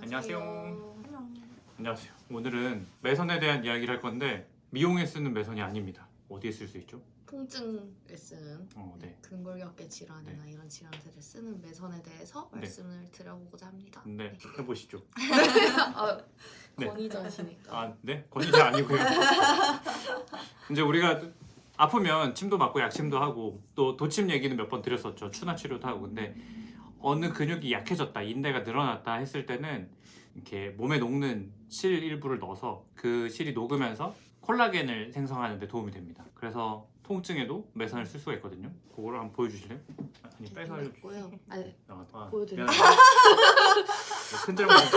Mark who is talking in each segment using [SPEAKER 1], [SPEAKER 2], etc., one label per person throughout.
[SPEAKER 1] 안녕하세요.
[SPEAKER 2] 안녕.
[SPEAKER 1] 안녕하세요. 오늘은 매선에 대한 이야기를 할 건데 미용에 쓰는 매선이 아닙니다. 어디에 쓸 수 있죠?
[SPEAKER 2] 통증을 쓰는
[SPEAKER 1] 네.
[SPEAKER 2] 근골격계 질환이나 이런 질환들을 쓰는 매선에 대해서
[SPEAKER 1] 네.
[SPEAKER 2] 말씀을 드려보고자 합니다.
[SPEAKER 1] 네, 해보시죠.
[SPEAKER 2] 아,
[SPEAKER 1] 네.
[SPEAKER 2] 권위자시니까.
[SPEAKER 1] 아, 네? 권위자 아니고요. 이제 우리가 아프면 침도 맞고 약침도 하고 또 도침 얘기는 몇 번 드렸었죠. 추나 치료도 하고. 근데 어느 근육이 약해졌다, 인대가 늘어났다 했을 때는 이렇게 몸에 녹는 실 일부를 넣어서 그 실이 녹으면서 콜라겐을 생성하는 데 도움이 됩니다. 그래서 통증에도 매선을 쓸 수가 있거든요. 그거를 한번 보여주실래요? 아니, 빼서 알려주세요.
[SPEAKER 2] 있고요. 아니,
[SPEAKER 1] 아,
[SPEAKER 2] 보여드릴게요.
[SPEAKER 1] 큰절 먹는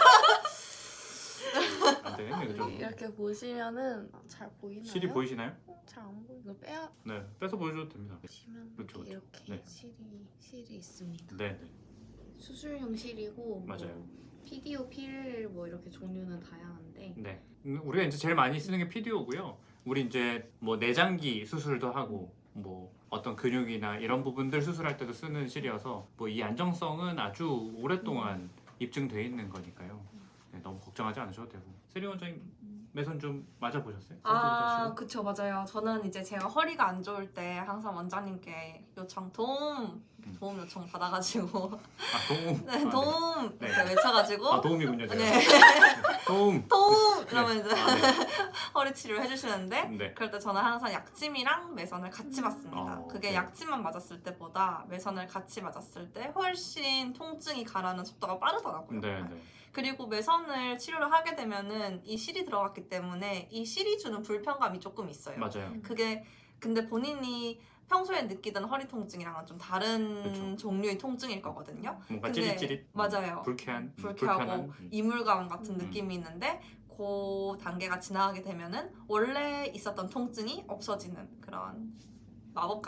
[SPEAKER 1] 안 되겠네, 그죠?
[SPEAKER 2] 이렇게 보시면은 잘 보이나요?
[SPEAKER 1] 실이 보이시나요?
[SPEAKER 2] 잘 안 보이고 이거 빼야
[SPEAKER 1] 네, 빼서 보여줘도 됩니다.
[SPEAKER 2] 보시면
[SPEAKER 1] 그렇죠,
[SPEAKER 2] 이렇게
[SPEAKER 1] 그렇죠. 네.
[SPEAKER 2] 실이 있습니다.
[SPEAKER 1] 네, 네,
[SPEAKER 2] 수술용 실이고
[SPEAKER 1] 맞아요.
[SPEAKER 2] 뭐 PDO, 필 뭐 이렇게 종류는 다양한데
[SPEAKER 1] 네. 우리가 이제 제일 많이 쓰는 게 PDO고요. 우리 이제 뭐 내장기 수술도 하고 뭐 어떤 근육이나 이런 부분들 수술할 때도 쓰는 실이어서 뭐 이 안정성은 아주 오랫동안 입증돼 있는 거니까요. 네, 너무 걱정하지 않으셔도 되고. 세리 원장님 매선 좀 맞아 보셨어요?
[SPEAKER 3] 아, 그쵸, 맞아요. 저는 이제 제가 허리가 안 좋을 때 항상 원장님께 요청 도움 요청 받아가지고
[SPEAKER 1] 아, 도움.
[SPEAKER 3] 네, 도움
[SPEAKER 1] 네.
[SPEAKER 3] 이렇게 외쳐가지고
[SPEAKER 1] 아, 도움이군요. 제가.
[SPEAKER 3] 네,
[SPEAKER 1] 도움.
[SPEAKER 3] 도움
[SPEAKER 1] 네.
[SPEAKER 3] 이러면 이제
[SPEAKER 1] 아, 네.
[SPEAKER 3] 허리 치료를 해주시는데
[SPEAKER 1] 네.
[SPEAKER 3] 그럴 때 저는 항상 약침이랑 매선을 같이 맞습니다. 그게
[SPEAKER 1] 네.
[SPEAKER 3] 약침만 맞았을 때보다 매선을 같이 맞았을 때 훨씬 통증이 가라는 속도가 빠르더라고요.
[SPEAKER 1] 네, 네.
[SPEAKER 3] 그리고 매선을 치료를 하게 되면은 이 실이 들어갔기 때문에 이 실이 주는 불편감이 조금 있어요.
[SPEAKER 1] 맞아요.
[SPEAKER 3] 그게 근데 본인이 평소에 느끼던 허리 통증이랑은 좀 다른
[SPEAKER 1] 그쵸.
[SPEAKER 3] 종류의 통증일 거거든요.
[SPEAKER 1] 뭔가
[SPEAKER 3] 근데
[SPEAKER 1] 찌릿찌릿.
[SPEAKER 3] 맞아요.
[SPEAKER 1] 불쾌한.
[SPEAKER 3] 불쾌하고
[SPEAKER 1] 불편한.
[SPEAKER 3] 이물감 같은 느낌이 있는데 그 단계가 지나가게 되면은 원래 있었던 통증이 없어지는 그런 마법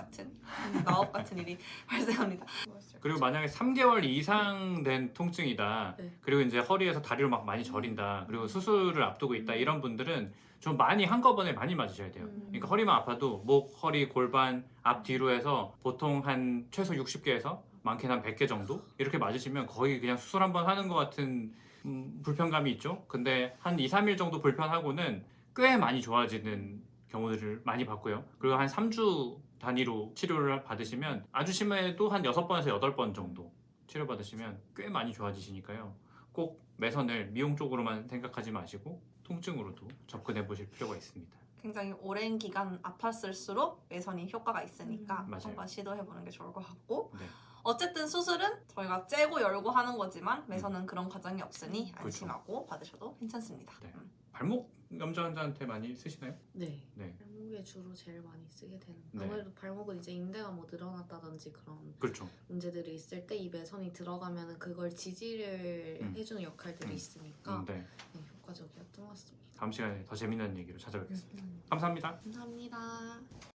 [SPEAKER 3] 같은 일이 발생합니다.
[SPEAKER 1] 그리고 만약에 3개월 이상 된 통증이다.
[SPEAKER 2] 네.
[SPEAKER 1] 그리고 이제 허리에서 다리로 막 많이 저린다. 그리고 수술을 앞두고 있다. 이런 분들은 좀 많이 한꺼번에 많이 맞으셔야 돼요. 그러니까 허리만 아파도 목, 허리, 골반, 앞, 뒤로 해서 보통 한 최소 60개에서 많게는 한 100개 정도 이렇게 맞으시면 거의 그냥 수술 한 번 하는 것 같은 불편감이 있죠. 근데 한 2, 3일 정도 불편하고는 꽤 많이 좋아지는 경우들을 많이 봤고요. 그리고 한 3주 단위로 치료를 받으시면 아주 심해도 한 6번에서 8번 정도 치료받으시면 꽤 많이 좋아지시니까요. 꼭 매선을 미용 쪽으로만 생각하지 마시고 통증으로도 접근해 보실 필요가 있습니다.
[SPEAKER 3] 굉장히 오랜 기간 아팠을수록 매선이 효과가 있으니까
[SPEAKER 1] 맞아요.
[SPEAKER 3] 한번 시도해보는 게 좋을 것 같고
[SPEAKER 1] 네.
[SPEAKER 3] 어쨌든 수술은 저희가 째고 열고 하는 거지만 매선은 그런 과정이 없으니 안심하고 받으셔도 괜찮습니다.
[SPEAKER 1] 네. 발목 염좌 환자한테 많이 쓰시나요?
[SPEAKER 2] 네.
[SPEAKER 1] 네.
[SPEAKER 2] 발목에 주로 제일 많이 쓰게 되는.
[SPEAKER 1] 네.
[SPEAKER 2] 아무래도 발목은 이제 인대가 뭐 늘어났다든지 그런
[SPEAKER 1] 그렇죠.
[SPEAKER 2] 문제들이 있을 때 이 매선이 들어가면은 그걸 지지를 해주는 역할들이 있으니까
[SPEAKER 1] 네.
[SPEAKER 2] 네, 효과적이었던 것 같습니다.
[SPEAKER 1] 다음 시간에 더 재밌는 얘기로 찾아뵙겠습니다. 감사합니다.
[SPEAKER 2] 감사합니다.